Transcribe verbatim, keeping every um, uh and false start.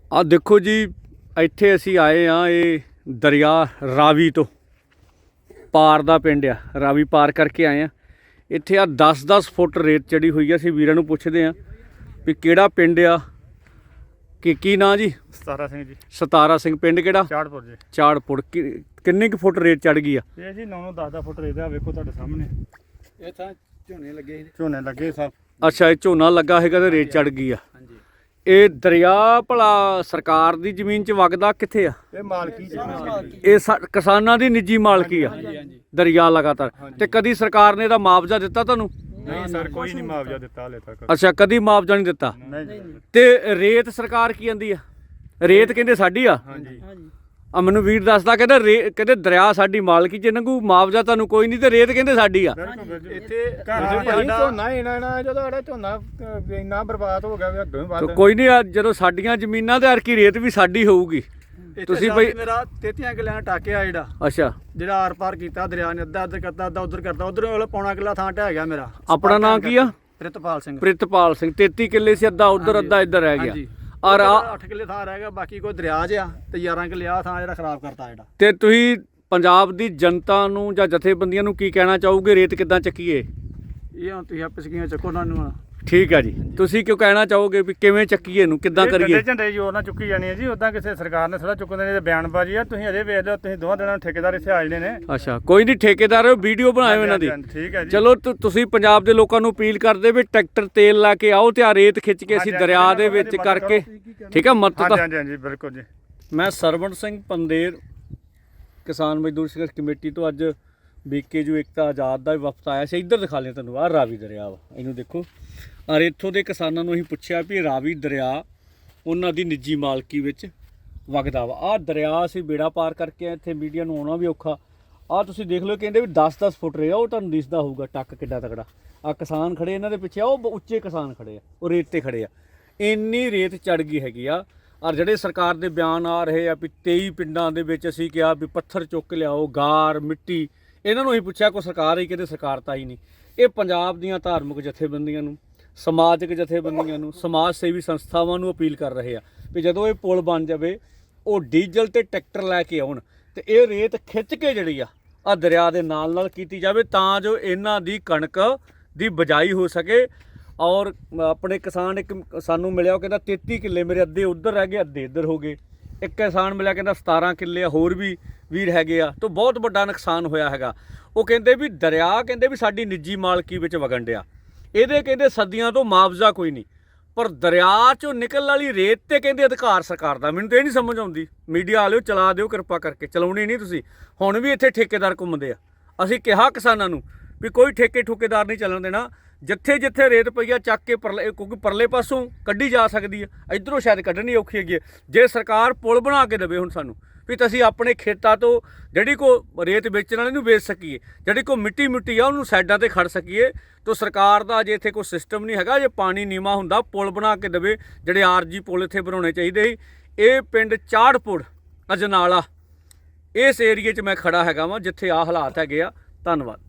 ਆ ਦੇਖੋ ਜੀ, ਇੱਥੇ ਅਸੀਂ ਆਏ ਆ, ਇਹ ਦਰਿਆ ਰਾਵੀ ਤੋਂ ਪਾਰ ਦਾ ਪਿੰਡ ਆ। ਰਾਵੀ ਪਾਰ ਕਰਕੇ ਆਏ ਆ। ਇੱਥੇ ਆ ਦਸ ਦਸ ਫੁੱਟ ਰੇਤ ਚੜੀ ਹੋਈ ਆ। ਅਸੀਂ ਵੀਰਾਂ ਨੂੰ ਪੁੱਛਦੇ ਆ ਵੀ ਕਿਹੜਾ ਪਿੰਡ ਆ, ਕਿ ਕੀ ਨਾਂ ਜੀ? ਸਤਾਰਾ ਸਿੰਘ ਜੀ। ਸਤਾਰਾ ਸਿੰਘ। ਪਿੰਡ ਕਿਹੜਾ? ਚਾੜਪੁਰ ਜੀ। ਚਾੜਪੁਰ। ਕਿੰਨੇ ਕੁ ਫੁੱਟ ਰੇਤ ਚੜ ਗਈ ਆ? ਇਹ ਜੀ ਨੌ ਨੌ ਦਸ ਦਸ ਫੁੱਟ ਰੇਤ ਆ, ਵੇਖੋ ਤੁਹਾਡੇ ਸਾਹਮਣੇ। ਇਹ ਤਾਂ ਝੋਨੇ ਲੱਗੇ ਸੀ। ਝੋਨੇ ਲੱਗੇ ਸਭ। ਅੱਛਾ, ਇਹ ਝੋਨਾ ਲੱਗਾ ਹੈਗਾ ਤੇ ਰੇਤ ਚੜ ਗਈ ਆ। ਹਾਂਜੀ। ਇਹ ਦਰਿਆ ਭਲਾ ਸਰਕਾਰ ਦੀ ਜ਼ਮੀਨ 'ਚ ਵਗਦਾ ਕਿੱਥੇ ਆ? ਇਹ ਮਾਲਕੀ ਜੀ। ਇਹ ਸਾ- ਕਿਸਾਨਾਂ ਦੀ ਨਿੱਜੀ ਮਾਲਕੀ ਆ ਦਰਿਆ ਲਗਾਤਾਰ। ਤੇ ਕਦੀ ਸਰਕਾਰ ਨੇ ਇਹਦਾ ਮੁਆਵਜ਼ਾ ਦਿੱਤਾ ਤੁਹਾਨੂੰ? ਨਹੀਂ ਸਰ, ਕੋਈ ਨਹੀਂ ਮੁਆਵਜ਼ਾ ਦਿੱਤਾ ਹਲੇ ਤੱਕ। ਅੱਛਾ, ਕਦੀ ਮੁਆਵਜ਼ਾ ਨਹੀਂ ਦਿੱਤਾ। ਨਹੀਂ ਜੀ। ਤੇ ਰੇਤ ਸਰਕਾਰ ਕੀ ਕਹਿੰਦੀ ਆ? ਰੇਤ ਕਹਿੰਦੇ ਸਾਡੀ ਆ। ਹਾਂਜੀ। ਆ ਮੈਨੂੰ ਵੀਰ ਦੱਸਦਾ, ਕਹਿੰਦਾ ਰੇ ਕਹਿੰਦੇ ਦਰਿਆ ਸਾਡੀ ਮਾਲਕੀ 'ਚ ਨੰਗੂ, ਮੁਆਵਜ਼ਾ ਤੁਹਾਨੂੰ ਕੋਈ ਨਹੀਂ, ਤੇ ਰੇਤ ਕਹਿੰਦੇ ਸਾਡੀ ਆ। ਇੱਥੇ ਘਰ ਦੇ ਭਾਈ ਝੋਨਾ ਇਹਨਾਂ ਨਾ ਜਦੋਂ ਸਾਡਾ ਝੋਨਾ ਇੰਨਾ ਬਰਬਾਦ ਹੋ ਗਿਆ ਵੀ ਅੱਗੋਂ ਹੀ ਤੇ ਵੱਧ। ਕੋਈ ਨਹੀਂ, ਜਦੋਂ ਸਾਡੀਆਂ ਜ਼ਮੀਨਾਂ ਤੇ ਅਰਕੀ ਰੇਤ ਵੀ ਸਾਡੀ ਹੋਊਗੀ। ਤੁਸੀਂ ਬਈ ਮੇਰਾ ਤੇਤੀਆਂ ਕਿੱਲਿਆਂ ਟਾਕਿਆ ਜਿਹੜਾ ਅੱਛਾ, ਜਿਹੜਾ ਆਰ ਪਾਰ ਕੀਤਾ ਦਰਿਆ ਨੇ, ਅੱਧਾ ਅੱਧਾ ਕਰਤਾ, ਅੱਧਾ ਉਧਰ ਕਰਤਾ, ਉਧਰ ਵਾਲਾ ਪੌਣਾ ਕਿੱਲਾ ਥਾਂ ਢਹਿ ਗਿਆ ਮੇਰਾ। ਆਪਣਾ ਨਾਂ ਕੀ ਆ? ਪ੍ਰਿਤਪਾਲ ਸਿੰਘ। ਪ੍ਰਿਤਪਾਲ ਸਿੰਘ। ਤੇਤੀ ਕਿੱਲੇ ਸੀ, ਅੱਧਾ ਉਧਰ ਅੱਧਾ ਇੱਧਰ ਰਹਿ ਗਿਆ। ਹਾਂਜੀ। ਔਰ ਆ ਅੱਠ ਕਿੱਲੇ ਥਾਂ ਰਹਿ ਗਿਆ, ਬਾਕੀ ਕੋਈ ਦਰਿਆ 'ਚ ਆ ਤੇ ਗਿਆਰਾਂ ਕਿੱਲੇ ਆ ਥਾਂ ਜਿਹੜਾ ਖਰਾਬ ਕਰਤਾ ਜਿਹੜਾ। ਤੇ ਤੁਸੀਂ ਪੰਜਾਬ ਦੀ ਜਨਤਾ ਨੂੰ ਜਾਂ ਜਥੇਬੰਦੀਆਂ ਨੂੰ ਕੀ ਕਹਿਣਾ ਚਾਹੋਗੇ? ਰੇਤ ਕਿੱਦਾਂ ਚੱਕੀਏ? ਇਹ ਹੁਣ ਤੁਸੀਂ ਆਪੇ ਸਕੀਆਂ ਚੱਕੋ ਉਹਨਾਂ ਨੂੰ। ਠੀਕ ਆ ਜੀ, ਤੁਸੀਂ ਕਿਉਂ ਕਹਿਣਾ ਚਾਹੋਗੇ ਵੀ ਕਿਵੇਂ ਚੱਕੀਏ ਇਹਨੂੰ, ਕਿੱਦਾਂ ਕਰੀਏ? ਝੰਡੇ ਜੋਰ ਨਾਲ ਚੁੱਕੀ ਜਾਣੀ ਹੈ ਜੀ। ਉਦਾਂ ਕਿਸੇ ਸਰਕਾਰ ਨੇ ਥੋੜਾ ਚੁੱਕਣ ਦੇ ਬਿਆਨਬਾਜ਼ੀ ਆ। ਤੁਸੀਂ ਅਜੇ ਵੇਖ ਲਓ, ਤੁਸੀਂ ਦੋਵਾਂ ਦਿਨਾਂ ਨੂੰ ਠੇਕੇਦਾਰ ਇੱਥੇ ਆ ਜਣੇ ਨੇ। ਅੱਛਾ, ਕੋਈ ਨਹੀਂ, ਠੇਕੇਦਾਰ ਵੀਡੀਓ ਬਣਾਇਓ ਇਹਨਾਂ ਦੀ। ਠੀਕ ਹੈ ਜੀ। ਚਲੋ ਤੁ- ਤੁਸੀਂ ਪੰਜਾਬ ਦੇ ਲੋਕਾਂ ਨੂੰ ਅਪੀਲ ਕਰਦੇ ਵੀ ਟਰੈਕਟਰ ਤੇਲ ਲਾ ਕੇ ਆਓ ਤੇ ਆ ਰੇਤ ਖਿੱਚ ਕੇ ਅਸੀਂ ਦਰਿਆ ਦੇ ਵਿੱਚ ਕਰਕੇ, ਠੀਕ ਆ ਮਦਦ। ਹਾਂਜੀ ਹਾਂਜੀ ਹਾਂਜੀ, ਬਿਲਕੁਲ ਜੀ। ਮੈਂ ਸਰਵਣ ਸਿੰਘ ਪੰਦੇਰ, ਕਿਸਾਨ ਮਜ਼ਦੂਰ ਸੰਘਰਸ਼ ਕਮੇਟੀ ਤੋਂ ਅੱਜ ਬੀਕੇ ਜੋ ਏਕਤਾ ਆਜ਼ਾਦ ਦਾ ਵਫਦ ਆਇਆ ਸੀ। ਇੱਧਰ ਦਿਖਾ ਲਿਆ ਤੁਹਾਨੂੰ, ਆਹ ਰਾਵੀ ਦਰਿਆ ਵਾ, ਇਹਨੂੰ ਦੇਖੋ। ਔਰ ਇੱਥੋਂ ਦੇ ਕਿਸਾਨਾਂ ਨੂੰ ਅਸੀਂ ਪੁੱਛਿਆ ਵੀ ਰਾਵੀ ਦਰਿਆ ਉਹਨਾਂ ਦੀ ਨਿੱਜੀ ਮਾਲਕੀ ਵਿੱਚ ਵਗਦਾ ਵਾ। ਆਹ ਦਰਿਆ ਅਸੀਂ ਬੇੜਾ ਪਾਰ ਕਰਕੇ ਇੱਥੇ ਮੀਡੀਆ ਨੂੰ ਆਉਣਾ ਵੀ ਔਖਾ। ਆਹ ਤੁਸੀਂ ਦੇਖ ਲਓ, ਕਹਿੰਦੇ ਵੀ ਦਸ ਦਸ ਫੁੱਟ ਰਿਹਾ, ਉਹ ਤੁਹਾਨੂੰ ਦਿਸਦਾ ਹੋਊਗਾ ਟੱਕ ਕਿੱਡਾ ਤਕੜਾ। ਆਹ ਕਿਸਾਨ ਖੜੇ ਇਹਨਾਂ ਦੇ ਪਿੱਛੇ, ਉਹ ਬ- ਉੱਚੇ ਕਿਸਾਨ ਖੜੇ ਆ, ਉਹ ਰੇਤ ਤੇ ਖੜੇ ਆ। ਇੰਨੀ ਰੇਤ ਚੜ ਗਈ ਹੈਗੀ ਆ। ਔਰ ਜਿਹੜੇ ਸਰਕਾਰ ਦੇ ਬਿਆਨ ਆ ਰਹੇ ਆ ਵੀ ਤੇਈ ਪਿੰਡਾਂ ਦੇ ਵਿੱਚ ਅਸੀਂ ਕਿਹਾ ਵੀ ਪੱਥਰ ਚੁੱਕ ਲਿਆਓ, ਗਾਰ ਮਿੱਟੀ, ਇਹਨਾਂ ਨੂੰ ਅਸੀਂ ਪੁੱਛਿਆ ਕੋਈ ਸਰਕਾਰ ਹੀ, ਕਹਿੰਦੇ ਸਰਕਾਰ ਤਾਂ ਹੀ ਨਹੀਂ। ਇਹ ਪੰਜਾਬ ਦੀਆਂ ਧਾਰਮਿਕ ਜਥੇਬੰਦੀਆਂ ਨੂੰ, ਸਮਾਜਿਕ ਜਥੇਬੰਦੀਆਂ ਨੂੰ, ਸਮਾਜ ਸੇਵੀ ਸੰਸਥਾਵਾਂ ਨੂੰ ਅਪੀਲ ਕਰ ਰਹੇ ਆ ਵੀ ਜਦੋਂ ਇਹ ਪੁਲ ਬਣ ਜਾਵੇ, ਉਹ ਡੀਜ਼ਲ ਤੇ ਟਰੈਕਟਰ ਲੈ ਕੇ ਆਉਣ ਤੇ ਇਹ ਰੇਤ ਖਿੱਚ ਕੇ ਜਿਹੜੀ ਆ ਆ ਦਰਿਆ ਦੇ ਨਾਲ ਨਾਲ ਕੀਤੀ ਜਾਵੇ, ਤਾਂ ਜੋ ਇਹਨਾਂ ਦੀ ਕਣਕ ਦੀ ਬਜਾਈ ਹੋ ਸਕੇ। ਔਰ ਆਪਣੇ ਕਿਸਾਨ, ਇੱਕ ਸਾਨੂੰ ਮਿਲਿਆ, ਉਹ ਕਹਿੰਦਾ ਤੇਤੀ ਕਿੱਲੇ ਮੇਰੇ, ਅੱਧੇ ਉੱਧਰ ਰਹਿ ਗਏ, ਅੱਧੇ ਇੱਧਰ ਹੋ ਗਏ। ਇੱਕ ਕਿਸਾਨ ਮਿਲਿਆ, ਕਹਿੰਦਾ ਸਤਾਰਾਂ ਕਿੱਲੇ ਆ, ਹੋਰ ਵੀ ਵੀਰ ਹੈਗੇ ਆ। ਤਾਂ ਬਹੁਤ ਵੱਡਾ ਨੁਕਸਾਨ ਹੋਇਆ ਹੈਗਾ। ਉਹ ਕਹਿੰਦੇ ਵੀ ਦਰਿਆ, ਕਹਿੰਦੇ ਵੀ ਸਾਡੀ ਨਿੱਜੀ ਮਾਲਕੀ ਵਿੱਚ ਵਗਣ ਡਿਆ, ਇਹਦੇ ਕਹਿੰਦੇ ਸਦੀਆਂ ਤੋਂ ਮੁਆਵਜ਼ਾ ਕੋਈ ਨਹੀਂ, ਪਰ ਦਰਿਆ 'ਚੋਂ ਨਿਕਲਣ ਵਾਲੀ ਰੇਤ ਤੇ ਕਹਿੰਦੇ ਅਧਿਕਾਰ ਸਰਕਾਰ ਦਾ। ਮੈਨੂੰ ਤਾਂ ਇਹ ਨਹੀਂ ਸਮਝ ਆਉਂਦੀ। ਮੀਡੀਆ ਵਾਲਿਓ ਚਲਾ ਦਿਓ ਕਿਰਪਾ ਕਰਕੇ, ਚਲਾਉਣੀ ਨਹੀਂ ਤੁਸੀਂ। ਹੁਣ ਵੀ ਇੱਥੇ ਠੇਕੇਦਾਰ ਘੁੰਮਦੇ ਆ। ਅਸੀਂ ਕਿਹਾ ਕਿਸਾਨਾਂ ਨੂੰ ਵੀ ਕੋਈ ਠੇਕੇ ਠੁਕੇਦਾਰ ਨਹੀਂ ਚੱਲਣ ਦੇਣਾ। ਜਿੱਥੇ ਜਿੱਥੇ ਰੇਤ ਪਈ ਆ ਚੱਕ ਕੇ ਪਰਲੇ, ਕਿਉਂਕਿ ਪਰਲੇ ਪਾਸੋਂ ਕੱਢੀ ਜਾ ਸਕਦੀ ਆ, ਇੱਧਰੋਂ ਸ਼ਾਇਦ ਕੱਢਣੀ ਔਖੀ ਹੈਗੀ। ਜੇ ਸਰਕਾਰ ਪੁਲ ਬਣਾ ਕੇ ਦੇਵੇ ਹੁਣ ਸਾਨੂੰ, ਵੀ ਤਾਂ ਅਸੀਂ ਆਪਣੇ ਖੇਤਾਂ ਤੋਂ ਜਿਹੜੀ ਕੋ ਰੇਤ ਵੇਚਣ ਵਾਲੇ ਨੂੰ ਵੇਚ ਸਕੀਏ, ਜਿਹੜੀ ਕੋ ਮਿੱਟੀ ਮਿੱਟੀ ਆ ਉਹਨੂੰ ਸਾਈਡਾਂ ਤੇ ਖੜ ਸਕੀਏ। ਤਾਂ ਸਰਕਾਰ ਦਾ ਜੇ ਇੱਥੇ ਕੋਈ ਸਿਸਟਮ ਨਹੀਂ ਹੈਗਾ। ਜੇ ਪਾਣੀ ਨੀਵਾਂ ਹੁੰਦਾ, ਪੁਲ ਬਣਾ ਕੇ ਦੇਵੇ। ਜਿਹੜੇ ਆਰਜੀ ਪੁਲ ਇੱਥੇ ਬਣਾਉਣੇ ਚਾਹੀਦੇ ਸੀ। ਇਹ ਪਿੰਡ ਚਾੜਪੁਰ ਅਜਨਾਲਾ, ਇਸ ਏਰੀਏ 'ਚ ਮੈਂ ਖੜਾ ਹੈਗਾ ਵਾਂ ਜਿੱਥੇ ਆਹ ਹਾਲਾਤ ਹੈਗੇ ਆ। ਧੰਨਵਾਦ।